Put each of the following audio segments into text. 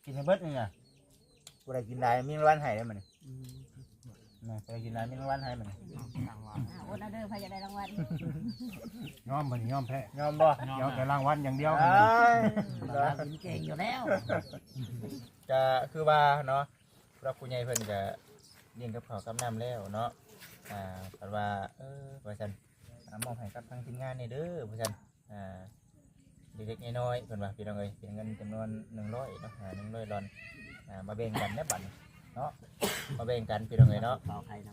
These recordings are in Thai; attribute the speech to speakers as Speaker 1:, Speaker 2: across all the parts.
Speaker 1: กินให้เบิดนี่น่ะบ่ได้กินได้มีรางวัลให้ได้มื้อนี้นะบ่ได้กินได้มีรางวัลให้มื้อนี้
Speaker 2: โอ้เด้อพายจะได้รางวัล
Speaker 3: ยอมบ่นี่ยอมแพ้
Speaker 1: ยอมบ่
Speaker 3: ยอมแต่รางวัลอย่างเดียว
Speaker 1: เอ้ย
Speaker 2: กินเก่งอยู่แล้ว
Speaker 1: ก็คือว่าเนาะพระผู้ใหญ่เพิ่นก็เลี้ยงกับข้าวกับน้ำแล้วเนาะเพิ่นว่าว่าซั่นมอบให้กับทางทีมงานนี่เด้อว่าซั่นเล็กๆน้อยๆเพิ่นว่าพี่น้องเอ้ยเป็นเงินจำนวน100เนาะ100ดอลมาแบ่งกันได้บัดเนาะมาแบ่งกันพี่น้องเอ้ยเนาะ
Speaker 2: ต่อใครนะ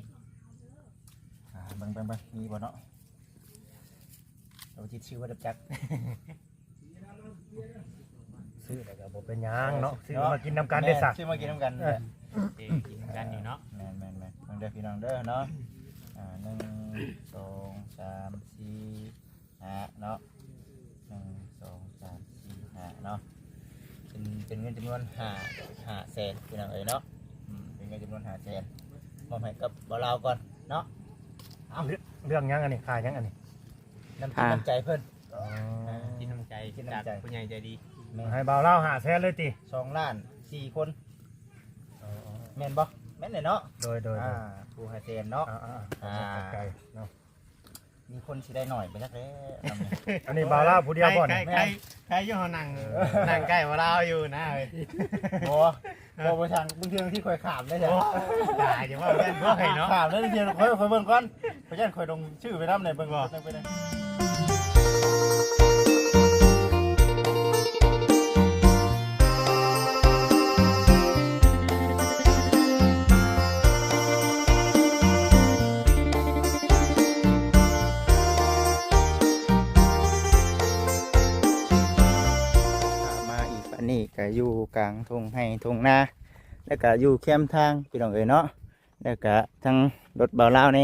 Speaker 1: เบิ่งมีบ่เนาะเราจิตชื่อว่าดับจัก
Speaker 3: ซื้อแล้วก็บ่เป็นหยังเนาะซื้อมากินน้ำกันได้สัก
Speaker 1: ซื้อมากินน้ำกันเนี่ย
Speaker 4: กินกันอยู่เนาะ
Speaker 1: แม่นฟังเด้อพี่น้องเด้อเนาะ1 2 3 4 5เนาะ1 2 3 4 5เนาะเป็นเงินจำนวน5แสนพี่น้องเอ้ยเนาะเป็นเงินจำนวน5แสนมอบให้กับบ่าวลาวก่อนเนาะ
Speaker 3: เรื่องหยังอันนี้ขายหยังอันนี้
Speaker 1: น้ำจิตน้ำใจเพิ่น
Speaker 4: กินน้ำใจจากผู้ใหญ่ใจดี
Speaker 3: ให้บ่าวเล่า5แสนเลยติ
Speaker 1: 2 ล้าน 4 คนแม่นบ่แม่นเนาะ
Speaker 3: โดย
Speaker 1: ผู้5แสนเนาะ
Speaker 3: ใจเนาะ
Speaker 1: มีคนสิได้หน่อยไปจักแล้ว
Speaker 3: อันนี้บ่าวเล่าผู้เดียวบ่นี่
Speaker 4: ใครอยู่ห้องนั่งใกล้ว่าเราอยู่นะเฮ้ย
Speaker 1: บ่ไปทางบางทีที่ข่อยขามได้จ้ะ
Speaker 4: ด่าอย่าว่าเพื่อนพวกไอ้เนาะ
Speaker 1: ขามได้เดียวข่อยเบิ่งก่อนข่อยยันข่อยลงชื่อไปนำได้เบิ่งบ่ไปได้นี่ก็อยู่กลางทุ่งให้ทุ่งนาแล้วก็อยู่แคมทางพี่น้องเอ๋ยเนาะแล้วก็ทั้งรถเบาเล่าแน่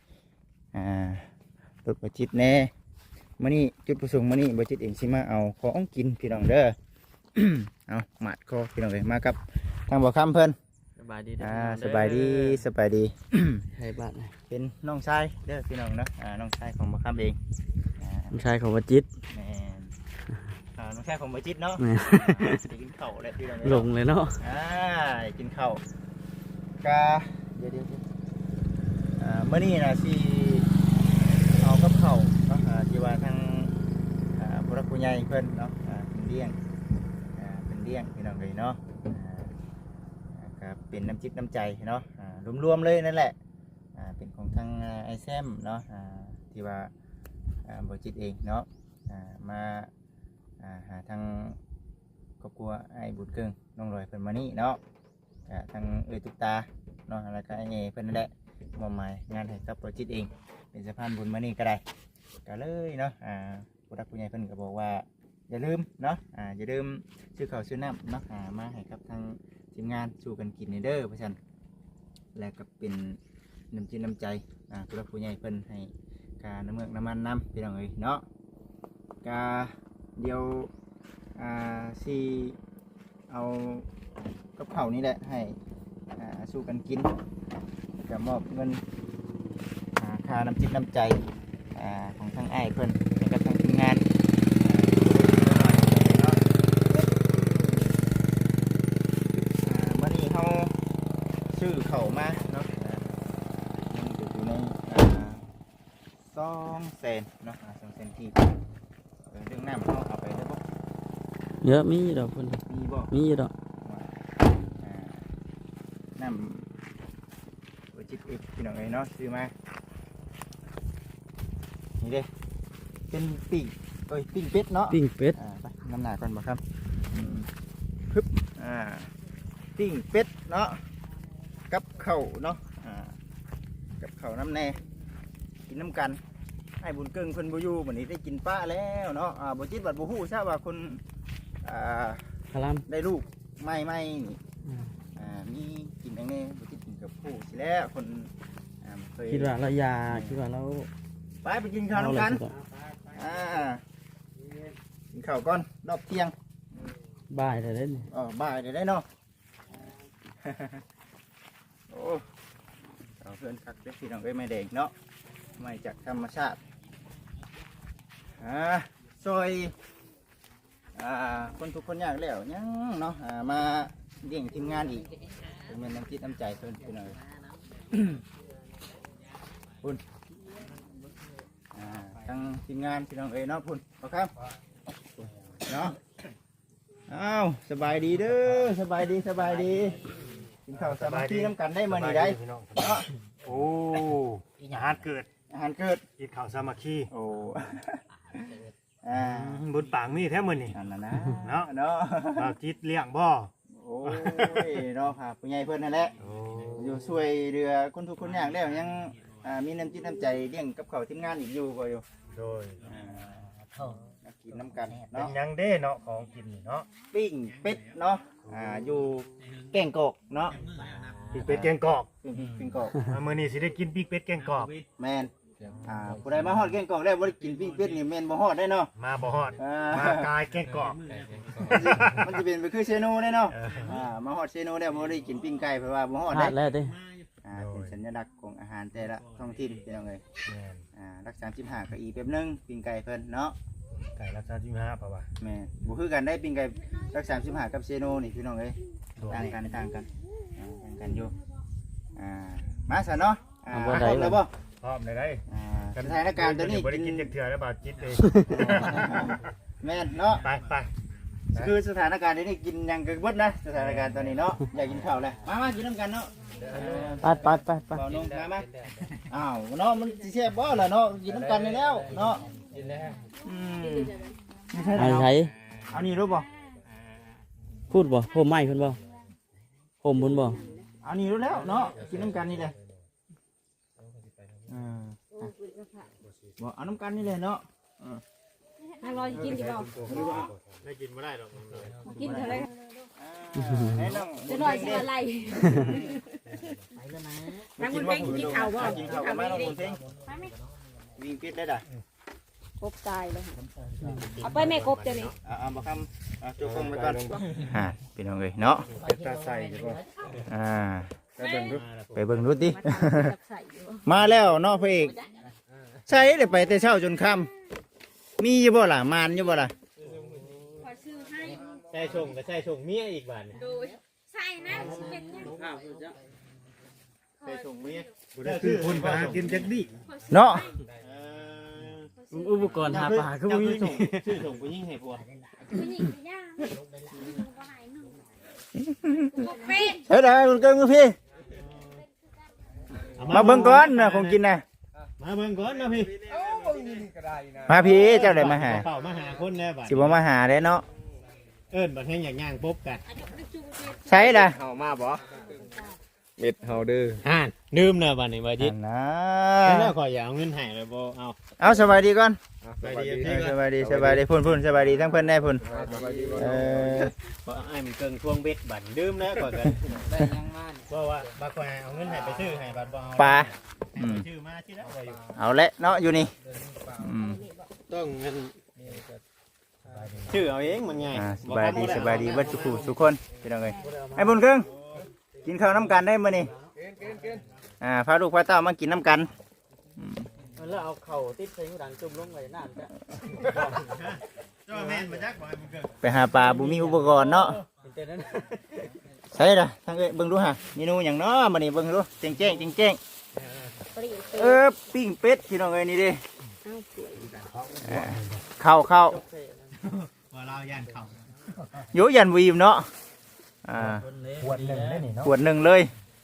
Speaker 1: รถบจิตแน่มื้อนี้จุดประสงค์มื้อนี้บจิตเองสิมาเอาของกินพี่น้องเด้อ เอาหมัดคอพี่น้องเอ๋ยมากับทางบ่อคำเพิ่น
Speaker 4: สบายดี
Speaker 1: สบายดี
Speaker 4: ให้บ้าน
Speaker 1: เป็นน้องชายเด้อพี่น้องเนาะน้องชายของบ่อคำเอง
Speaker 4: น้องชายของวัจิต
Speaker 1: แม่น้องชายของบ่จิตเนาะได้กินข้าวแล้วพี่น้อง
Speaker 4: หลงเลยเนาะ
Speaker 1: กินข้าวกะเดี๋ยวเมื่อนี้นะสิเอากับข้าวเนาะที่ว่าทางผู้รักผู้ใหญ่เพิ่นเนาะเป็นเลี้ยงพี่น้องเลยเนาะก็เป็นน้ำจิตน้ำใจเนาะรวมๆเลยนั่นแหละเป็นของทางไอแซมเนาะที่ว่าบริจิตเองเนาะมาหาทางครอบครัวไอ้บุญเกิงน้องรอยเพิ่นมานี่เนาะทางตุ๊กตาเนาะแล้วก็ไอ้เพิ่นนั่นแหละมอบหมายงานให้กับโปรเจกต์เองเป็นสะพานบุญมานี่ก็ได้ก็เลยเนาะผู้รักผู้ใหญ่เพิ่นก็บอกว่าอย่าลืมเนาะอย่าลืมซื้อข้าวซื้อน้ำเนาะมาให้กับทางทีมงานสู่กันกินในเด้อเพราะฉะนั้นแล้วก็เป็นน้ำจิตน้ำใจผู้รักผู้ใหญ่เพิ่นให้การน้ำเมือกน้ำมันน้ำพี่น้องเอ้ยเนาะก็เดี๋ยวสิเอากับข้าวนี่แหละให้สู้กันกินกับมอบเงินค่าน้ำจิตน้ำใจของทางไอ้เพิ่นแล้วก็ทางทีมงานวันนี้เขาซื้อข้าวมาเนาะมันจะอยู่ใน2 แสนเนาะ2 แสนที่เรื่องน้ำเขาเอาไปได้บ่
Speaker 4: เยอะมีดอกคน
Speaker 1: มีบ่
Speaker 4: มีดอก
Speaker 1: น้ำหัวจิตอีกพี่น้องเอ้ยเนาะซื้อมานี่เด้เป็นปิ้งเป็ดเนาะ
Speaker 4: ปิ้งเป็ด
Speaker 1: ไปน้ำหนาก่อนบ่ครับปึ๊บปิ้งเป็ดเนาะกับข้าวเนาะกับข้าวน้ำแน่กินน้ำกันให้บุญเกิงเพิ่นบ่อยู่มื้อนี้ได้กินปลาแล้วเนาะบ่จิตบัดบ่ฮู้ทราบว่าคน
Speaker 4: คารัม
Speaker 1: ได้ลูกไม่นี่มีกินอย่างนี้บ่จิตกินกับผู้สิแล้วคนเคย
Speaker 4: คิดว่าเรายาคิดว่าเรา
Speaker 1: ไปกินข้าวน้ำกันกินข้าวก่อนรอบเที่ยง
Speaker 4: บ่ายแต่เล่น
Speaker 1: บ่ายเดี๋ยวได้เนาะ โอ้เอาเพื่อนคักเด็กพี่น้องเอ้ยไม่แดงเนาะไม่จากธรรมชาติซอยคนทุกคนยากแล้วยังเนาะมาเลี้ยงทีมงานอีกเป็นน้ำจิตน้ำใจเพิ่นพี่น้องพุ่นทั้งทีมงานพี่น้องเนาะพุ่นเอาครับเนาะอ้าวสบายดีเด้อสบายดีกินข้าวสามัคคีน้ำกันได้มานี่ได้เนาะ
Speaker 3: โอ้อาหารเกิด
Speaker 1: อาหารเกิด
Speaker 3: กินข้าวสามัคคี
Speaker 1: โอ้
Speaker 3: บุญปางมีแท้มื้อนี่
Speaker 1: นั่นน่ะนะ
Speaker 3: เนาะ
Speaker 1: เนาะ
Speaker 3: บ่าวจิตเลี้ยงบ่
Speaker 1: โอ้ยเนาะค่ะผู้ใหญ่เพิ่นนั่นแหละ
Speaker 3: โอ้
Speaker 1: อยู่ช่วยเรือคนทุกคนยากแล้วยังมีน้ำจิตน้ำใจเลี้ยงกับเขาวทีมงานอีกอยู่บ่อยู่
Speaker 3: โดย
Speaker 1: กินน้ำกัน
Speaker 3: เป็น
Speaker 1: เนาะ
Speaker 3: หยังเด้เนาะของกินนี่เนาะ
Speaker 1: ปิ้งเป็ดเนาะอยู่แก่งกอกเนาะ
Speaker 3: ปีกเป็ดแกงกอก
Speaker 1: ปิ้งกอก
Speaker 3: มื้อนี้สิได้กินปีกเป็ดแกงกอก
Speaker 1: แม่นผู้ใดมาฮอดแก่งกอกแล้วบ่ได้กินปิ้งเป็ดนี่แม่นบ่ฮอดได้เนาะ
Speaker 3: มาบ่ฮอดมากายแกงกอก
Speaker 1: มันจะเป็นไปคือเชโนได้เนาะมาฮอดเชโนแล้วบ่ได้กินปิ้งไก่เพราะว่าบ่ฮอดได้
Speaker 2: แล้วดิ
Speaker 1: เป็นสัญลักษณ์ของอาหารแต่ละท้องถิ่นพี่น้องเอ้ย
Speaker 3: แม่น
Speaker 1: รัก35ก็อีกแบบนึงปิ้งไก่เพิ่นเนาะ
Speaker 3: ไก่รักษา15เพราะว่า
Speaker 1: แม่บ่คือกันได้ปิ้งไก่รัก35กับเชโนนี่พี่น้องเอ้ย
Speaker 3: โดย
Speaker 1: ต่างกันต่างกันอยู่มาซะเนาะพร้อมแล้วบ่
Speaker 3: พร้อมได้
Speaker 1: สถานการณ์ตอนนี้
Speaker 3: บ่ได้กินจักเทื่อแล้วบ่าวจิตเลย
Speaker 1: แม่นเนาะ
Speaker 3: ไป
Speaker 1: คือสถานการณ์นี้กินยังกระเบิดนะสถานการณ์ตอนนี้เนาะอยากกินข้าวเลยมากินน้ำกันเนาะ
Speaker 2: ไป
Speaker 1: เปล่านุ่งมาอ้าวเนาะมันสิแซ่บบ่ล่ะเนาะกินน้ำกันนี่แล้วเนาะไม่ใช่
Speaker 2: ไอ้
Speaker 1: แล้ว
Speaker 2: ไส
Speaker 1: เอานี่รู้บ่
Speaker 2: พูดบ่โฮมไม้เพิ่นบ่โฮมเพิ่นบ่
Speaker 1: เอานี่รู้แล้วเนาะกินน้ำกันนี่เลยบ่เอาน้ำกันนี่เลยเนาะ
Speaker 5: ทางเรากินกี่เปล่า
Speaker 3: ได้กินบ่ได้หรอก
Speaker 5: กินเท่าไร
Speaker 1: ให้น้อง
Speaker 5: จะหน่อยสิอะไรทางคุณเพ่งกินข้าวบ่
Speaker 1: กินข้าวกันไหมน้องคุณเพ่งวิ่งปิดได้ด่ะ
Speaker 5: กบตายเลยเอาไปแม่กบเดี๋ยวนี้
Speaker 1: เอามาคำจุกฟงไปก่อนพี่น้องเลยเนาะ
Speaker 3: ตาใส่ดีกว่า
Speaker 1: ไปเบิ่งดูไปเบิ่งดูดิ
Speaker 5: จับใส่อยู่
Speaker 1: มาแล้วเนาะพระเอกใช่เลยไปแต่เช้าจนค่ำมีอยู่บ่ล่ะมานอยู่บ่ล่ะ
Speaker 5: ขอซื้อให้
Speaker 4: ใช่ชงก็ใช่ชงเมียอีกบาท
Speaker 5: ดูใส่นะเป็นยัง
Speaker 4: ใช่ชงเมีย
Speaker 3: บ่ได้คือคนไปหากินจักดิ
Speaker 1: เนาะ
Speaker 2: อุปกรณ์หาปลาคือบ่มี
Speaker 4: ชื่อชงผู้หญิงให้ผัว
Speaker 5: ผู้หญิงย่างก็หายหนึ่งกบเป็ด
Speaker 1: เฮ้ยได้คุณเกินมือพี่มาเบิ่งก่อนนะของกินนะ
Speaker 4: มาเบิ่งก่อนนะพี่
Speaker 1: มาพี่เจ้าได้มาหา
Speaker 4: เป่ามาหาคนแล้วบาท
Speaker 1: สิบ่มาหาได้เนาะ
Speaker 4: เอิ้นบัดแห่งอย่างย่างปุ๊บกัน
Speaker 1: ใช่ล่ะ
Speaker 4: เฮามาบ่เม็ดเฮาดื้อห่านดื่มเนอะบัดนี้บ่จิต
Speaker 1: นะ
Speaker 4: แล้วขอยอยากเอาเงินให้เลยบ่เอา
Speaker 1: เอาสบายดีก่อน
Speaker 4: ไปดี
Speaker 1: สบายดีพุ่นสบายดีทั้งเพิ่นได้พุ่น
Speaker 4: บ่ไอ้มันเกิงทวงเบ็ดบัดดื่มแล้วก่อนกันได้ยังมาเพราะว่าบักว่าเอาเงินให้ไปซื้อให้บัดบ่เอา
Speaker 1: ปลา
Speaker 4: ชื่อมาที่แล้ว
Speaker 1: เอาละเนาะอยู่นี่
Speaker 4: ต้องเงินชื่อเอาเองมันไง
Speaker 1: สบายดีเบิดสุขุสุคนพี่น้องเอ้ยไอ้บุญครึ่งกินข้าวน้ำกันได้มื้อนี้พาลูกพาเต้ามากินน้ำกัน
Speaker 2: แล้วเอาเข่าติดใส่หูดังจุ่มลงไว้น้ำจ้ะ
Speaker 4: เจ้าแม่นมาจักบ่ให้มันเกิง
Speaker 1: ไปหาปลาบุมีอุปกรณ์เนาะ
Speaker 2: เป็นแต่นั้น
Speaker 1: ใช่ละทางเอ้ยเบิ่งดูฮะเมนูอย่างเนาะมื้อนี้เบิ่งดูแจ้งปิ้งเป็ดพี่น้องเอ้ยนี่เด้เข้า
Speaker 4: ว่าเราย่านเขา
Speaker 1: โยยันวีมเนาะ
Speaker 3: ขวดหนึ่งได้นี่เนาะ
Speaker 1: ขวดหนึ่งเลย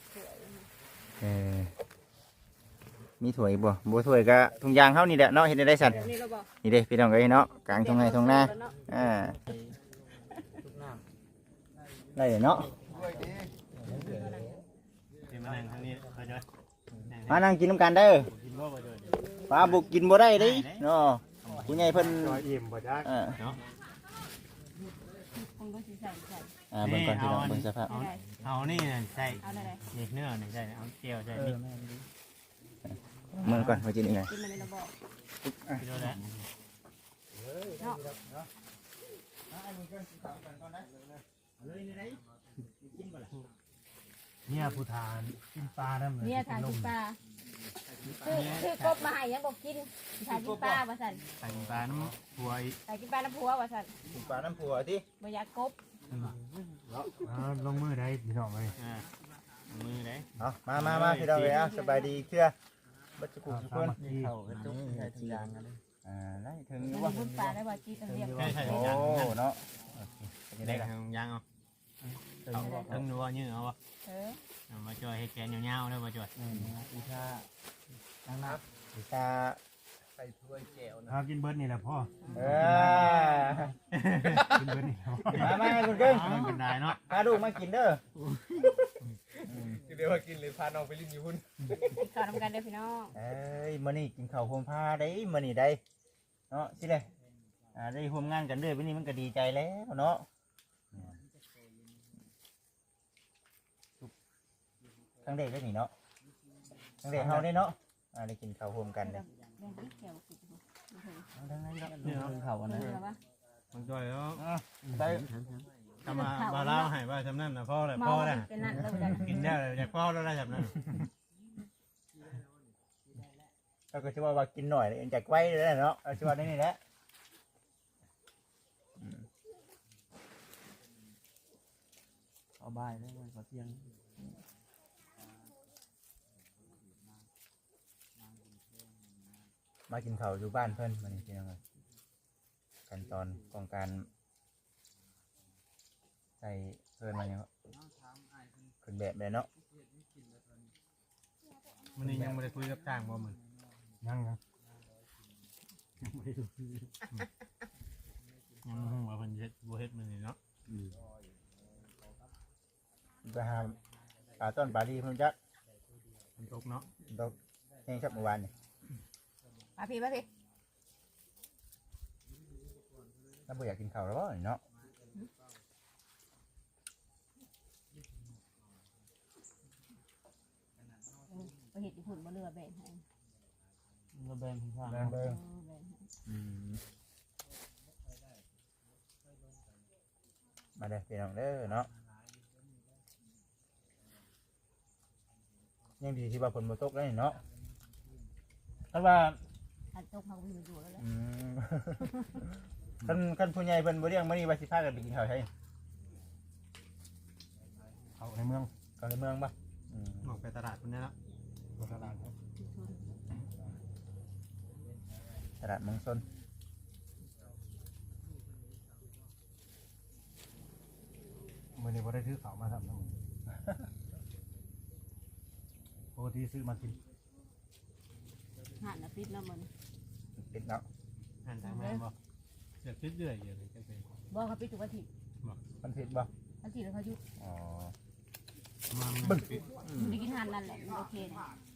Speaker 1: มีถ้วยบ่ถ้วยก็ถุงยางเฮานี่แหละเนาะเฮ็ดได้สั่น
Speaker 5: นี่เราบอก
Speaker 1: นี่เด้พี่น้องเอ้ยเนาะกลางทุ่งไร่ทุ่งนาได้เนาะ
Speaker 4: ที่มานั่งทางนี้เขาจะ
Speaker 1: มานั่งกินน้ำกันเด้อ
Speaker 4: กินบ่บ่เดิน
Speaker 1: ปลาบุกกินบ่ได้เด้เนาะผู้ใหญ่เพิ่น
Speaker 3: จอยอิ่มบ่จัก
Speaker 5: คงก็สิใส่
Speaker 1: เบิ่งก่อนพี่น้องเบิ่งสภาพ
Speaker 4: เอานี่ใส่
Speaker 5: เอาอะไร
Speaker 4: นี่เนื้อนี่ใส่เอาเจียวใส่นี่
Speaker 1: เบิ่งก่อนว่าจินี่ไง
Speaker 5: กินมาในระบอก
Speaker 4: กินแล้ว
Speaker 3: เนี่ยผู้ทานกินปลานั่น
Speaker 5: เนี่ยทานกินปลาคือกบมาให้ยังบอกกินใส่กินปลาว่าสั่น
Speaker 4: ใส่ปลาน้ำผัวอีก
Speaker 5: ใส่กินปลาน้ำพัวว่าสั่น
Speaker 1: กินปลาน้ำผัวที่
Speaker 5: บ่อยากกบ
Speaker 3: ลงมือได้พี่น้องเลย
Speaker 4: มือไหน
Speaker 1: เอามาพี่น้องเลยสบายดีเชื่อบัจจุกุทุกคน
Speaker 2: เข้ากันทุกใช้ทุกอย่างกันเลย
Speaker 1: ได้ถึง
Speaker 5: มัน
Speaker 1: ว่า
Speaker 5: พุ่นปลาได้บ่กินเรียบ
Speaker 1: โอ้เนาะ
Speaker 4: ได้ทางยางเอาทั้งนัวยื้อเอาวะ มาจ่อยให้แกนยาวๆเลยมาจ่อย
Speaker 2: อีชานั่งนับ
Speaker 1: ดิชา
Speaker 3: หากินเบิร์ดนี่แหละพ่อ
Speaker 1: เอ
Speaker 3: กินเบิร์ดนี่
Speaker 1: มาคุณกึ้ง
Speaker 4: มันเป็นได้เนาะ
Speaker 1: พาลูกมากินเด้อ
Speaker 6: เดี๋ยวว่ากินเลยพาน้องไปลิ้นอยู่พุ่น
Speaker 5: ขอทำกันเด้อพี่น้อง
Speaker 1: เอ้ยมื้อนี้กินข้าวโฮมพาได้มื้อนี้ได้เนาะสิเลยได้ร่วมงานกันด้วยวันนี้มันก็ดีใจแล้วเนาะครั้งแรกได้นี่เนาะครั้งแรกเฮาได้เนาะได้กินข้าวโฮมกันเลย
Speaker 5: แม่ที่เขียวสุด
Speaker 1: ทั้งนั้นเนาะ
Speaker 2: เนี่ยเขาอันนั้น
Speaker 5: เหลือปะ
Speaker 4: มันจ่อยแล้ว
Speaker 1: ได้
Speaker 4: ทำมาเล่าให้ว่าทำนั่นนะพ่อเลย
Speaker 5: เมา
Speaker 4: พ่อเลย
Speaker 5: เป็นนั่นเลยจ้ะ
Speaker 4: กินได้เลยอยากพ่อแล้วได้แบบนั้น
Speaker 1: เราก็จะว่ากินหน่อยเลยจากไว้เลยเนาะเอาจะว่าได้นี่แหละ
Speaker 2: เอาบ่ายได้ไหมขอเที่ยง
Speaker 1: มากินข้าวอยู่บ้านเพิ่นมานี่พี่น้องขั้นตอนของการใส่เพิ่นมาเนี่ยขึ้นแบบเลยเนาะ
Speaker 4: มันนี่ยังไม่ได้คุยกับจ้างบ่มึง
Speaker 3: ยัง
Speaker 4: ยังว่าเพิ่นเฮ็ดบ่เฮ็ดมันนี่เนาะ
Speaker 1: ไปหาปลาต้นปลาดีเพิ่นจัก
Speaker 4: มันตกเนาะ
Speaker 1: ตกแห้งชับเมื่อวานนี่
Speaker 5: มาพี่มาพี่
Speaker 1: ถ้าบ่อยากกินข้าวแล้วบ่เนาะ
Speaker 5: ไปเห็ดญี่ปุ่นมาเรือแบ่งให้
Speaker 2: เราแบ่งข้าง
Speaker 1: แบ่งเบิ่ง
Speaker 5: แบ่งให้
Speaker 1: มาเด้อพี่น้องเด้อเนาะยังดีที่ว่าฝนบ่ตกแล้วนี่เนาะคันว่า
Speaker 5: อันตกเขาก็มีอยู่แล้วแหละ
Speaker 1: คันผู้ใหญ่เพิ่นบ่เลี้ยงมื้อนี้ว่าสิพากันไปกินข้าวไส
Speaker 3: เขาในเมือง
Speaker 1: ข้าวในเมืองบ่
Speaker 4: ออกไปตลาดพุ่นได้แล้ว
Speaker 3: ตลาด
Speaker 1: ตลาดเมืองชน
Speaker 3: มื่อนี้พอได้ซื้อข้าวมาทำทั้งหมดปกติซื้อมากิน
Speaker 5: หันนะปิดแล้วมัน
Speaker 1: ปิดเนาะ
Speaker 4: หันทางมาบ่อยากคิดเรื่อยอยู่เลยจังซี่
Speaker 5: บอกเขาปิดทุกวันที่
Speaker 1: มันผิดบ่
Speaker 5: วันที่แล้วเขายุด
Speaker 1: อ๋อ
Speaker 4: มา
Speaker 5: ได้กินหันนั่นแหละมันโอเคนะ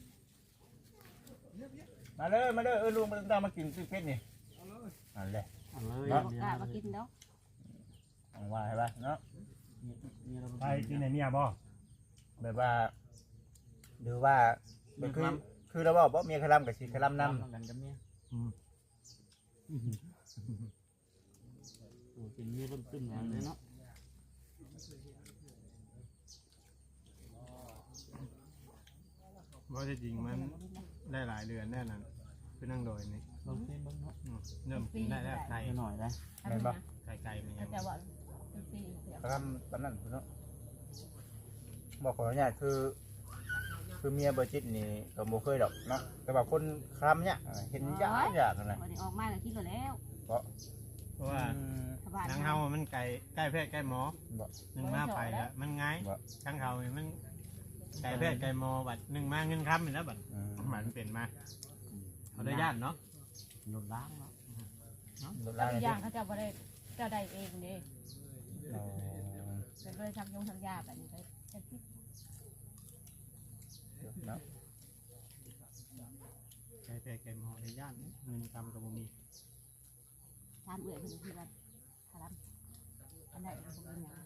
Speaker 1: มาเด้อลุงมันต้องมากินซื้อเป็ดนี่นั่นแหละ
Speaker 2: เลย
Speaker 5: บอกกล้ามากินแล้ว
Speaker 1: เอาว่าให้ป่ะเนาะ
Speaker 3: ไปกินในเมียบ่
Speaker 1: แบบว่าหรือว่าแบบคือเราบอกว่าเมียคลำกับชีคลำนำ
Speaker 2: กันกับเมียโอ้เป็นเมียร่มตึ้มอย่างเลยเนาะ
Speaker 4: บ่ได้จริงมันได้หลายเดือนแน่นั่นคือนั่งโดยนี่
Speaker 2: ลองเต้นบ้างเนาะ
Speaker 4: เริ่มกินได้แล้วไก่
Speaker 2: หน่อยได้
Speaker 5: ทำไมนะ
Speaker 4: ไก่มันยั
Speaker 5: เขา
Speaker 4: ง
Speaker 5: จะบอกเป็นปี
Speaker 1: คลำตอนนั้นคุณเนาะบอกขออนุญาตคือเมียเบอร์จิตนี่ก็บ่เคยดอกเนาะแต่ว่าคนคลำเนี่ยเห็นยากนั่นแหละ
Speaker 5: วันนี้ออกมาแล้วคิดแล้ว
Speaker 4: เพราะว่า
Speaker 5: สบาย
Speaker 4: นางเฮามันไก่ใกล้แพทย์ใกล้หมอ
Speaker 1: บ่
Speaker 4: หนึ่งมาไปแล้วมันง่าย
Speaker 1: บ่
Speaker 4: ช่างเขานี่มันไก่แพทย์ไก่หมอบัดหนึ่งมาเงินค้ำอยู่แล้วบัดหมันเปลี่ยนมาเขาได้ญาติเนาะ
Speaker 2: หลุดล้างเนาะ
Speaker 1: ลด
Speaker 5: แล้
Speaker 1: ลาว ง
Speaker 5: อีก
Speaker 1: เล
Speaker 5: อย ย่างเขาจะบ่ได้เจ้าใดเองเด้
Speaker 1: อ๋อ
Speaker 5: เป็นเลยทำยงทำยาแบบนี้ไปจะคิด
Speaker 1: เนาะ
Speaker 4: ไก่แพทย์ไก่หมอได้ญาติเงินค้ำกับบ่มี
Speaker 5: ตามเอื่อยเป็นที่ว่าทารันอันไหนเป็นคนอย่าง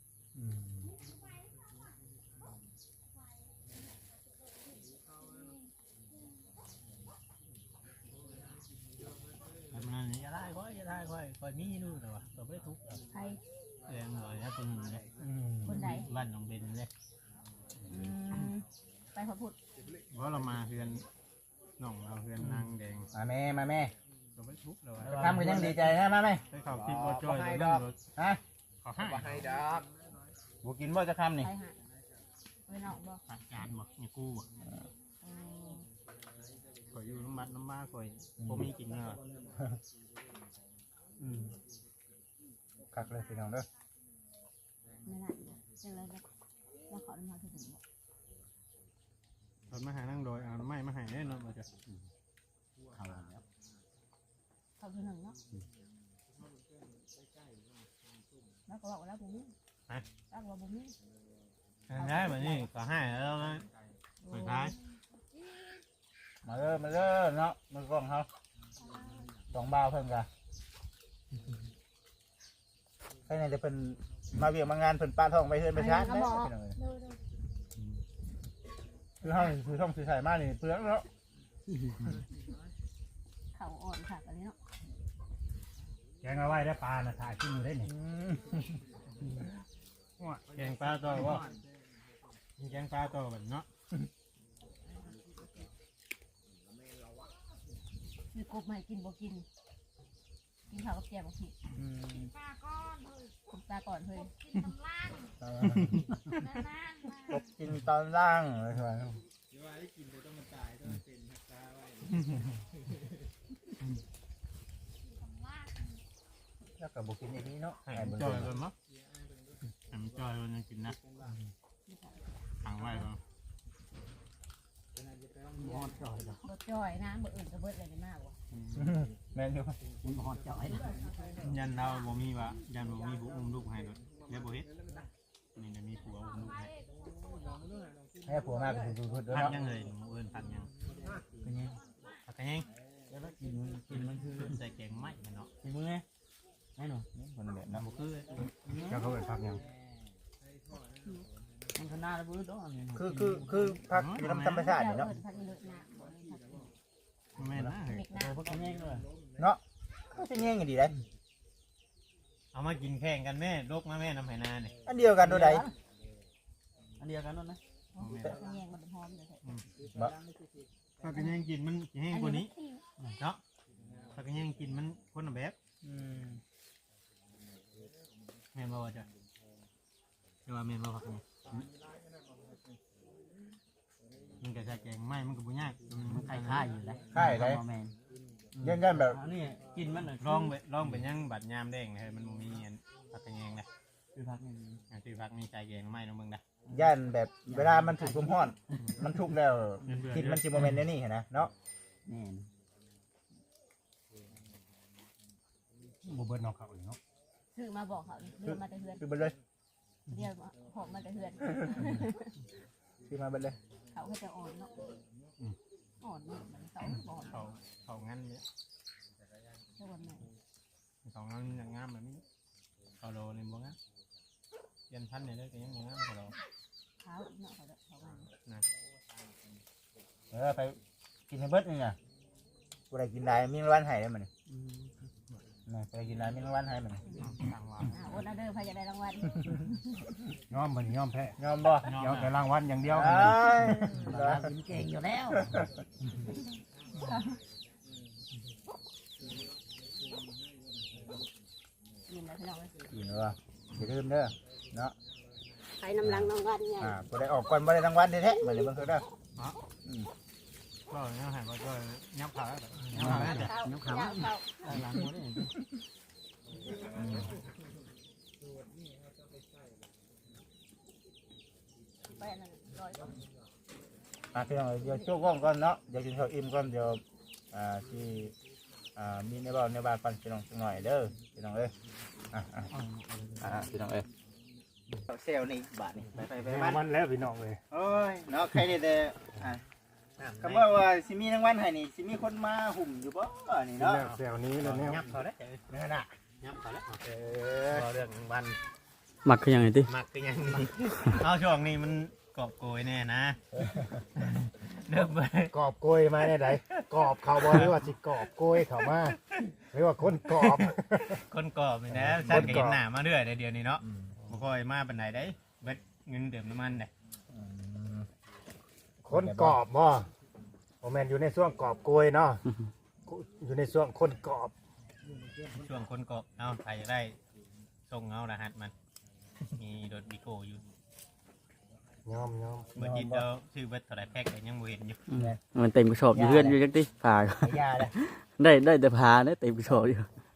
Speaker 4: ทำงานอย่าได้ค่อยมีนู่นแต่ว่าตัวไม่ทุกข์
Speaker 5: ใคร
Speaker 4: เรื่องหน่อยนะคนนึงเนี่ย
Speaker 5: คนไหน
Speaker 4: บ้านน้องเบนเลย
Speaker 5: อืมไปพระพุทธ
Speaker 4: เพราะเรามาเฮือนน้องเราเฮือนนางแดง
Speaker 1: มาแม่มาแม่
Speaker 4: ก็ไปทุบเรา
Speaker 1: ทำกันยังดีใจนะมาแม่
Speaker 4: ไปเขาคิดว่าจ้อยเรื่องรถ
Speaker 1: ฮะ
Speaker 4: เขาให้
Speaker 6: บ่ให้ดอก
Speaker 1: บุกินบ่จะคำนี่
Speaker 5: ไปหาไปนอกบ่
Speaker 4: อาจารย์บอกนี่กู้บอก
Speaker 5: เออ
Speaker 4: ข่อยอยู่น้ำมัดน้ำมาข่อยผมมีกินเนาะ
Speaker 1: คักเลยพี่น้องเด้อ
Speaker 5: ไม่น่าจะเจอแล้วแล้วขอน้ำมันถึงบ่
Speaker 4: ตอนมาหานั่งโดยเอาไม้มาให้แน่นอนมาจ้ะ
Speaker 5: เขาคือหนึ่งเนาะแล้วก็บอกว่าแล้วบุ้มแล้วก็บุ้ม
Speaker 4: ใช่แบบนี้ก็ให้แล้วนะสุดท้าย
Speaker 1: มาเด้อเนาะมือกล้องเขาสองบ่าวเพิ่นกะใครเนี่ยจะเพิ่นมาเวียงมางานเพิ่นป้าท้องไปเพิ่นไปชาร์จนะพี่น้องเอ้ยคือเฮาคือท่องสื่อสายมานี่เปลืองเนาะ
Speaker 5: เขาอ่อนค่ะอันนี้เนาะ
Speaker 3: แกงเอาไว้ได้ปลานะถ่ายขึ้นอยู่ได้นี่
Speaker 4: แกงปลาตัวว่าแกงปลาตัวแบบเนาะ
Speaker 5: คือกบใหม่กินบ่กินกินข้าวกับแกงบ่ผิดกบตาก่อนเฮ้ย
Speaker 1: กบกินตอนล่างเลยครับ แล้วก็บุกินอย่างนี้เนาะ
Speaker 4: ให้มันจอยกันมั้งให้มันจอยกันยังกินนะทางไว้ก่อน
Speaker 5: บ่จ่อยนะบ่อื่นก็เบิดอะไรมากว่ะ
Speaker 1: แม่นอยู่
Speaker 4: ยันเราบ่มีวะยันบ่มีบุอุ้มลูกให้รถแล้วบ่เฮ็ดนี่จะมีผัวอุ้มลูกให้
Speaker 1: ให้ผัวมากก็คือพูดด้วย
Speaker 4: พัก
Speaker 1: เนาะ
Speaker 4: ยังเลยหมูเอิญพักยังพักกันยังกินมันคือใส่แกงไม้เนาะ
Speaker 2: มีมือไงไอ้หนู
Speaker 1: คนแบบนั้น
Speaker 4: บ่คือ
Speaker 3: เจ้าเขาเป็นพักยัง
Speaker 2: มันขนาดแล้วบื้อดอกนี่
Speaker 1: คือพักอยู่ธรรมชาติเนาะ
Speaker 5: พักอีเลิศนะบ่เลยพัก
Speaker 4: แม่นะ
Speaker 5: เด็กนะ
Speaker 2: โอ้พักกันแย่งด้วย
Speaker 1: เนาะก็จะเงี้ยงดีได้
Speaker 4: เอามากินแข่งกันแม่ลกมาแม่น้ำไหนาเนี่ย
Speaker 1: อันเดียวกันตัวใด
Speaker 2: อันเดียวกันนั่นนะ
Speaker 5: พักแยงมันหอมเลย
Speaker 4: พักกันยังกินมันแห้งกว่านี้เนาะพักกันยังกินมันคนละแบบแม่นบ่ว่าจ้ะแต่ว่าแม่นบ่พักกันมันก็ใส่แกงไม้มันก็บ่ยากมัน
Speaker 2: คล้ายๆอยู่เลย
Speaker 1: ค่ายไร
Speaker 2: แมน
Speaker 1: ยันแบบ
Speaker 2: อันนี้กินมัน
Speaker 4: ลองไปยังบัดยามแดงเลยมันบ่มีเงินพักกันยังนะ
Speaker 2: คือพักนี่
Speaker 4: ชื่อพักมีใส่แกงไม้น้องเบิ่งนะ
Speaker 1: ยันแบบเวลามันถูกลมห้อน มันทุกแล้วกินมันจิโมเมนต์นี่เห็นนะเนาะ
Speaker 2: แน่น
Speaker 3: บ่เบิดนอกเขาอีกเนาะ
Speaker 5: ซื้อมาบอกเขาเรียกมาแต่เฮือน
Speaker 1: คือไปเลย
Speaker 5: เรียกหอมมาแต่เฮือน
Speaker 1: คือมาไปเลย
Speaker 5: เขาก็จะอ่อนเนาะอ่อนนี่มันเขาบ่อน
Speaker 4: เขางั้นเนี่ย
Speaker 5: เท่าวันไหน
Speaker 4: เขางั้นอย่างงามแบบนี้เขาโลในบ่งามยันพันเนี่ยได้ก็ยังบ่งามเขาโล
Speaker 5: เท้าเนาะเขาจะเขาวัน
Speaker 1: ไปกินให้เบิดนี่ไงกูได้กินได้มีรางวัลให้ได้มันนี่ไปกินได้มีรางวัลให้มัน
Speaker 4: ต่างว่า
Speaker 5: อดเอาเด้อพายจะได้รางวัล
Speaker 3: ยอมมันยอมแพ้
Speaker 1: ยอมบ่
Speaker 3: ยอมแต่รางวัลอย่างเดียว
Speaker 1: เอ้ย
Speaker 2: เรากินเก่งอยู่แล้ว
Speaker 5: ยินแล้วพี่น้อง
Speaker 1: กินว่าอย่าลืมเด้อเนาะ
Speaker 5: ไปน้ำลังรางวัลไง
Speaker 1: กูได้ออกก่อนบ่ได้รางวัลแท้ๆเหมือนเบิ่งคือเด้อ
Speaker 4: ก็เนี่ยหายว่าก็ยับขาแล้วยับขาแล้ว
Speaker 2: น้ำขาว
Speaker 5: เข้า
Speaker 2: หลังหมดเลย
Speaker 5: ไปนั่นร้อย
Speaker 1: พี่น้องเดี๋ยวโชว์กล้องก่อนเนาะเดี๋ยวกินข้าวอิ่มก่อนเดี๋ยวที่มีในบ้านก่อนพี่น้องสักหน่อยเด้อพี่น้องเอ้ยพี่น้องเอ้ยเซลนี่บาทนี่ไป
Speaker 3: รางวัลแล้วพี่น้องเลย
Speaker 1: โอ้ยเนาะใครได้แต่คำว่าสิมีรางวัลให้นี่สิมีคนมาหุ่มอยู่บ่นี่เนาะ
Speaker 3: แซวนี้แล้วเนี่ย
Speaker 4: ยับเขาแล้ว
Speaker 1: นั่นน่ะ
Speaker 4: ยับเขาแล้วพอเรื่องวัน
Speaker 2: หมักคือยังไงติ
Speaker 4: มักก็ยังเอาช่วงนี้มันกอบโกยแน่นะเริ่มไป
Speaker 3: กอบโกยมาได้ไดกอบเขาบ่หรือว่าสิกอบโกยเขามาหรือว่าคนกอบ
Speaker 4: คนกอบนี่นะฉันก็เห็นหน้ามาเรื่อยเดี๋ยวนี้เนาะบ่ค่อยมาปานใดได้เบ็ดเงินเดือมน้ำมันเด้
Speaker 3: คคนกรอบบ่โอแมนอยู่ในช่วงกรอบโกยเนาะอยู่ในช่วงคนกรอบ
Speaker 4: ช่วงคนก็เอาใครจะได้ส่งเอารหัสมันมีรถบิโก้อยู่
Speaker 3: ยอม
Speaker 4: เมื่อกี้เราซื้อเบิดเท่าไหร่แพ็คก็ยังบ่เห็นอยู่
Speaker 2: มันเต็มกระสอบอยู่เพื่อนอยู่จักติผ่า
Speaker 1: ไม่ยาเลย
Speaker 2: ได้แต่ผ่าเด้เต็มกระสอบอยู่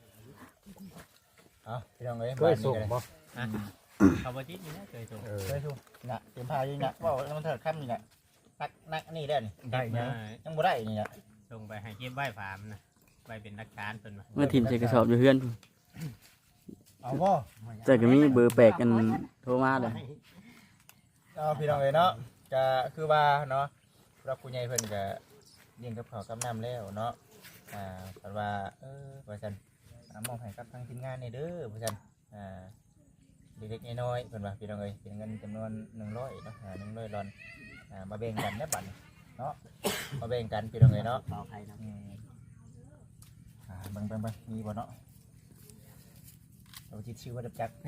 Speaker 1: เอาพี่น้องเอ้ย
Speaker 3: เคยส่งบ่
Speaker 4: อ่ะเขาบ่จิตนี่นะเคยส่ง
Speaker 1: เคยส่งน่ะเต็มพาอยู่น่ะว่ามันเถิดค่ำนี่น่ะนักนี่ได้นี่
Speaker 3: ได้
Speaker 4: มา
Speaker 1: ยังบ่ได้นี่น่ะ
Speaker 4: ส่งไปให้เก็บไว้ฝามนะไว้เป็นหลักฐานเพิ่นว่า
Speaker 2: เมื่อทีมใส่กระสอบอยู่เพื่อน
Speaker 1: เอาบ่
Speaker 2: แต่ก็มีเบอร์แปลกกันโทรมาเลย
Speaker 1: เอาพี่น้องเอ้ยเนาะก็คือว่าเนาะรับผู้ใหญ่เพิ่นก็เลี้ยงกับข้าวกับน้ำแล้วเนาะเพิ่นว่าว่าซั่นมอบให้กับทางทีมงานนี่เด้อว่าซั่นเล็กๆน้อยๆเพิ่นว่าพี่น้องเอ้ยเป็นเงินจำนวน100เนาะ100ดอลมาแบ่งกันได้บัดนี้เนาะมาแบ่งกันพี่น้องเอ้ยเนาะ
Speaker 2: เป่าใครนะ
Speaker 1: เบิ่งมีบ่เนาะเราจิตชื่อว่าดับจัก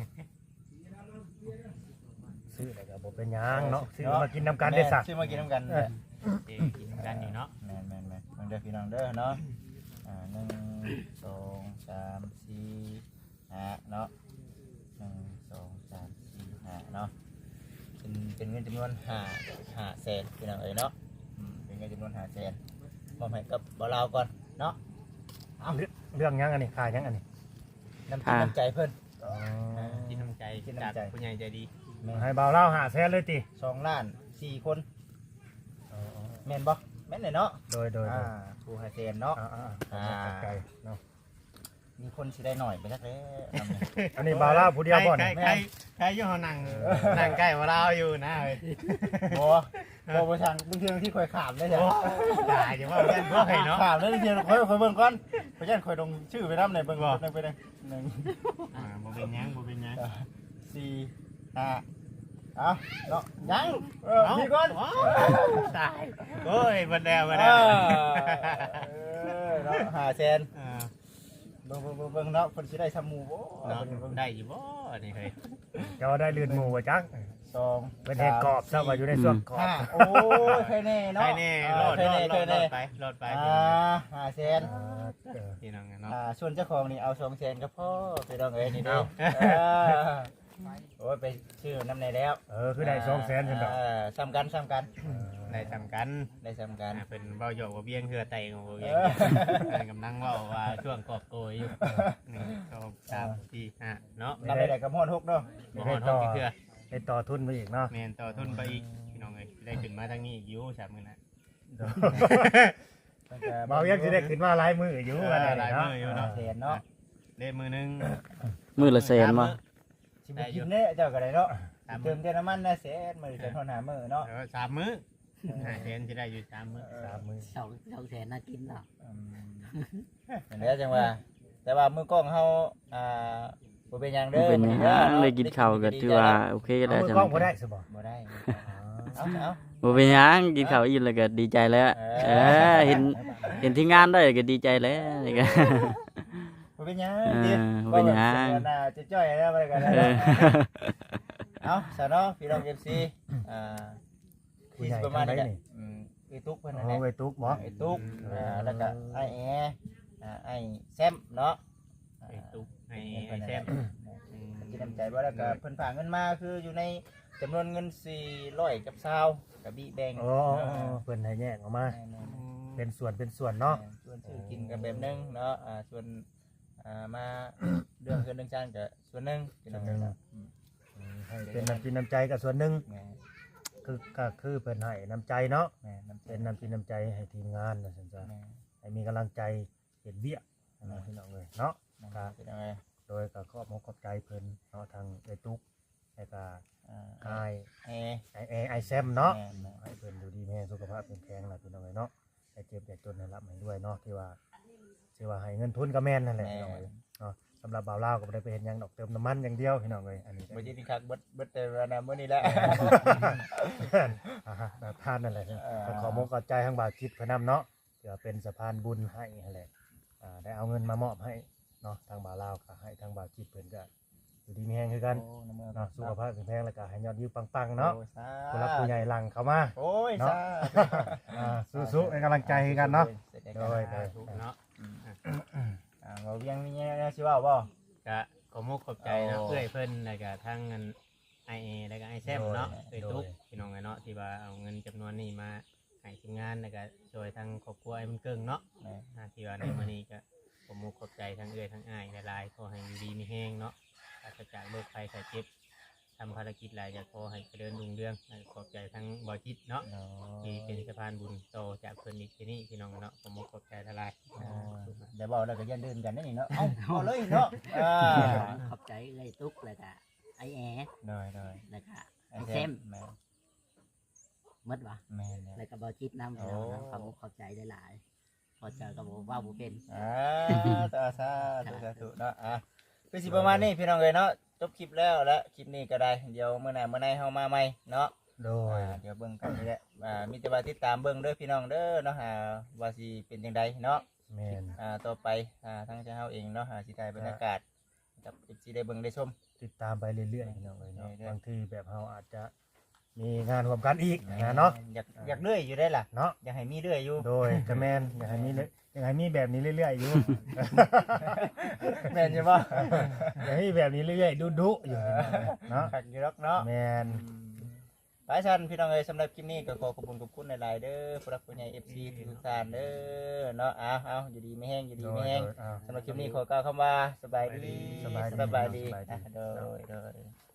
Speaker 3: ซื้ออะไรก็บ่เป็นหยังเนาะซื้อมากินน้ำกันได้สัก
Speaker 1: ซื้อมากินน้ำกัน
Speaker 4: เอ้กินกันอยู่เนาะ
Speaker 1: แม่นเบิ่งเด้อพี่น้องเด้อเนาะ1 2 3 4 5เนาะ1 2 3 4 5เนาะเป็นเงินจำนวน5แสนพี่น้องเอ้ยเนาะเป็นเงินจำนวน5แสนมอบให้กับบ่าวลาวก่อนเนาะ
Speaker 3: เรื่องหยังอันนี้ขายหยังอันนี้
Speaker 1: น้ำจิตน้ำใจเพิ่น
Speaker 4: กินน้ำใจจากผู้ใหญ่ใจดี
Speaker 3: ให้เบาเล่าหาแสนเลยติ
Speaker 1: 2 ล้าน 4 คนแม่นบ่แม่นเลยเนาะ
Speaker 3: โดย
Speaker 1: ผู้5แสนเนาะ
Speaker 3: ใจเนาะ
Speaker 1: มีคนสิได้หน่อยไปสักแล้ว
Speaker 3: อันนี้เบาเล่าผู้เดียวบ่นี่
Speaker 4: ใครอยู่เฮานั่งใกล้ว่าเราอยู่นะเว้ย
Speaker 1: บ่ทางบางทีที่คอยขามได้จ้ะ
Speaker 4: ตายจังว่าเพื่อนพวกให้เนาะ
Speaker 1: ขามได้ทีคอยเบิ่งก่อนเพราะฉะนั้นคอยลงชื่อไปนำในเบิ่งนึงไปนึง
Speaker 4: บ่เป็นหยัง
Speaker 1: 4 5เอาเนาะยังพี่ก่อน
Speaker 4: ตายโอ้ยบ่แล้ว
Speaker 1: เนาะ5แสนเบิ่งเนาะเพิ่นสิได้ซำหมู่บ่
Speaker 4: ได้อยู่บ่นี่เฮ้ย
Speaker 3: เจ้าได้ลื่นหมู่บ่จัก
Speaker 1: 2
Speaker 3: เป็นเฮ็ดกรอบซะว่าอยู่ในช่วงกรอบ
Speaker 1: 5โอ้ยเคยแน่เนาะ
Speaker 4: ใครแน่รอดไป
Speaker 1: 5แสน
Speaker 4: พี่น้องเนาะ
Speaker 1: ส่วนเจ้าของนี่เอา2แสนก็พอไปดองเอ้ยนี่เด้โอ้ยไปชื่อน้ำในแล้ว
Speaker 3: คือได้200,000ซั่นดอก
Speaker 1: ซ้ำกัน
Speaker 4: ได้ทำกัน
Speaker 1: ได้ซ้ำกัน
Speaker 4: เป็นเบาหยอกว่าเบี้ยงเหือไตของเบี้ยงกำลังว่าว่าช่วงกอบโกยอยู่1 2 3 4 5เนาะ
Speaker 1: รับได้กับฮอด6เนาะ
Speaker 4: บ่ฮอดห้องเถื่อ
Speaker 3: ได้ต่อทุนมาอีกเนาะ
Speaker 4: แม่นต่อทุนไปอีกพี่น้องเอ้ยได้ขึ้นมาทางนี้อีกอยู่3มื้อนะ
Speaker 3: เบายังสิได้ขึ้นมาหลายมื้ออยู่ว่าได้
Speaker 4: หลาย
Speaker 3: เนาะ
Speaker 4: มื้ออยู่เนาะ
Speaker 1: แสนเนาะ
Speaker 4: ได้มื้อนึง
Speaker 2: มือละแสนมา
Speaker 1: สิบ่กินเด้เจ้าก็ได้เนาะเติมเติมน้ำมันนะแสนมื้อจะทนหามื้อเนาะ
Speaker 4: 3 มื้อ5แสนสิได้อยู่3 มื้อ
Speaker 3: 3มื้อ
Speaker 2: 2แสนน่ากินเนาะ
Speaker 1: นั่นแหละจังว่าแต่ว่ามือกล้องเฮาบ่เป็นหยังเด้อ
Speaker 2: เป็นหยังได้กินข้าวก็ถือว่าโอเค
Speaker 3: เอา
Speaker 2: แล้ว
Speaker 3: มือ
Speaker 2: จัง
Speaker 3: กล้องบ่ได้สิบ่
Speaker 1: บ่ได้เอา
Speaker 2: บ่เป็นหยังกินข้าวอิ่มแล้วก็ดีใจแล้วเห็นที่งานได้ก็ดีใจแล้วนี่ก็
Speaker 1: บ่เป็นหยัง
Speaker 2: บ่เป็นหยัง
Speaker 1: จะจ้อยแล้วไปกัน เอาซะเนาะพี่น้อง FC
Speaker 3: ผู้ใหญ่
Speaker 1: ประมาณ
Speaker 3: ทำ
Speaker 1: นี้
Speaker 3: ได้
Speaker 1: แหละ
Speaker 3: นี่
Speaker 1: ไอ้ตุ๊กเพิ่นนั่น
Speaker 3: เอา
Speaker 1: แหละ
Speaker 3: ไว้ตุกบ่
Speaker 1: ไอ้ตุ๊กแล้วก็ไอ้แอไอ้แซมเนาะ
Speaker 4: ไอ้ตุ๊กไอ้แซม
Speaker 1: กินน้ำใจบ่แล้วก็เพิ่นฝากเงินมาคืออยู่ในจำนวนเงิน400กับ20กับบีแบง
Speaker 3: อ๋อเพิ่นให้แยกออกมาเป็นส่วนเนาะ
Speaker 1: ส่วนซื้อกินกับแบบนึงเนาะส่วนมาเรื่องเงินเรื่องจานก็ส่วนนึง
Speaker 3: ให้เป็นน้ำจิตน้ำใจกับส่วนหนึงก็คือเพิ่นให้น้ำใจเนาะเป็นน้ำจิตน้ำใจให้ทีมงานนะซั่นจ้ะให้มีกำลังใจเฮ็ดเวียกนะพี่น้องเอ้ยเนาะ
Speaker 1: เป็นยังไง
Speaker 3: โดยก็ขอบใจเพิ่นเนาะทางไอ้ตุ๊กแล้วก็ไอแซมเนาะให้เพิ่นดูดีแม่สุขภาพแข็งแรงล่ะพี่น้องเอ้ยเนาะให้เจ็บอย่าจนให้รับให้ด้วยเนาะที่ว่าให้เงินทุนก็แม่นนั่นแหละพี่น้องเอ้ยเนาะสำหรับบ่าวลาวก็บ่ได้ไปเฮ็ดหยังดอกเติมน้ำมันอย่างเดียวพี่น้องเอ้ยอันนี้
Speaker 1: บ่จิตคักเบิดแต่ว่านะมื้อนี้แหละ
Speaker 3: แบบทานนั่นแหละก็ขอมกขอบใจทางบ่าวคิดเพิ่นนำเนาะเพื่อเป็นสะพานบุญให้นั่นแหละได้เอาเงินมามอบให้เนาะทางบ่าวลาวก็ให้ทางบ่าวคิดเพิ่นก็อยู่ดีมีแฮงคือกัน
Speaker 1: โอ้น้ำมือ
Speaker 3: เนาะสุขภาพแข็งแรงแล้วก็ให้ยอดวิวปังๆเนาะ
Speaker 1: โอ้สา
Speaker 3: ผู้รักผู้ใหญ่หลังเข้ามา
Speaker 1: โอ้ย
Speaker 3: เนาะ สู้ๆเป็นกำลังใจให้กันเนาะ โดย
Speaker 4: ถูกเนาะ
Speaker 1: เราเวียงมีแนวสิเว้าบ่
Speaker 4: ก็ขอมุกขอบใจเนาะ
Speaker 1: โอ้
Speaker 4: เพื่อนเพิ่นแล้วก็ทั้งเงินไอเอแล้วก็ไอแซมเนาะ
Speaker 3: โด
Speaker 4: เอ้
Speaker 3: ย
Speaker 4: ยตุ๊กพี่น้องไงเนาะที่ว่าเอาเงินจำนวนนี้มาให้ทีมงานแล้วก็ช่วยทั้งครอบครัวไอ้มันเกิงเนาะ
Speaker 1: แม่
Speaker 4: ที่ว่าในมื้อนี้ก็ขอมุกขอบใจทั้งเอื้อยทั้งอ้ายหลายๆขอให้อยู่ดีมีแห้งเนาะปราศจากโรคภัยไข้เจ็บทำภารกิจหลายจะขอให้เจริญรุ่งเรืองขอบใจทั้งบ่อจิตเนาะ
Speaker 1: เนาะ
Speaker 4: ที่เป็นสะพานบุญต่อจากเพิ่นอีกที่นี่พี่น้องเนาะขอมุกขอบใจทลาย
Speaker 1: เดี๋ยวบอกแล้วก็อย่าลืมกันได้นี่เนาะ เอาเลยเนาะ
Speaker 7: ขอบใจเลยตุ๊กเลยกะไอแอด
Speaker 1: ได้ได้
Speaker 7: เลยกะ
Speaker 1: ไอ้
Speaker 7: ไอ
Speaker 1: แซ
Speaker 7: เซ
Speaker 1: ม
Speaker 7: ม
Speaker 1: แม่
Speaker 7: หมดวะ
Speaker 1: แม่เนี่ย
Speaker 7: เลยกะบอจิตน้ำพี่น้องนะขอบคุณขอบใจหลายๆพอเจอกับว่าบุเป็น
Speaker 1: ตาซาธุเนาะคือสิประมาณนี้พี่น้องเอ้ยเนาะจบคลิปแล้วและคลิปนี้ก็ได้เดี๋ยวมื้อหน้ามื้อในเฮามาใหม่เนาะ
Speaker 3: โดย
Speaker 1: เดี๋ยวเบิ่งกันนี่แหละมีแต่ว่าติดตามเบิ่งเด้อพี่น้องเด้อเนาะว่าสิเป็นจังไดเนาะ
Speaker 3: แม่น
Speaker 1: ต่อไปทั้งเจ้าเฮาเองเนาะสิถ่ายบรรยากาศกับสิได้เบิ่งได้ชม
Speaker 3: ติดตามไปเรื่อยๆพี่น้องเอ้ยเนาะ
Speaker 1: เรื่อยๆ
Speaker 3: บางทีแบบเฮาอาจจะมีงานร่วมกันอีกนะเนาะ
Speaker 1: อยากเรื่อยอยู่ได้ล่ะ
Speaker 3: เนาะ
Speaker 1: อยากให้มีเรื่อยอยู่
Speaker 3: โดยกระแมนอยากให้มีแบบนี้เรื่อยๆอยู่
Speaker 1: แม่นใช่ป่ะ
Speaker 3: อยากให้มีแบบนี้เรื่อยๆดุๆอยู่เนาะ
Speaker 1: ขัดอยู่หรอกเนาะ
Speaker 3: แมน
Speaker 1: หลายท่านพี่น้องเอ้ยสำหรับคลิปนี้ก็ขอขอบคุณหลายๆเด้อผู้รักผู้ใหญ่ FC ทุกท่านเด้อเนาะเอาอยู่ดีไม่แห้งอยู่ดีไม่แห้ง
Speaker 3: โดย
Speaker 1: สำหรับคลิปนี้ขอกล่าวคำว่าสบายดี
Speaker 3: สบายดี
Speaker 1: สบายดี
Speaker 3: สบายดี
Speaker 1: โดย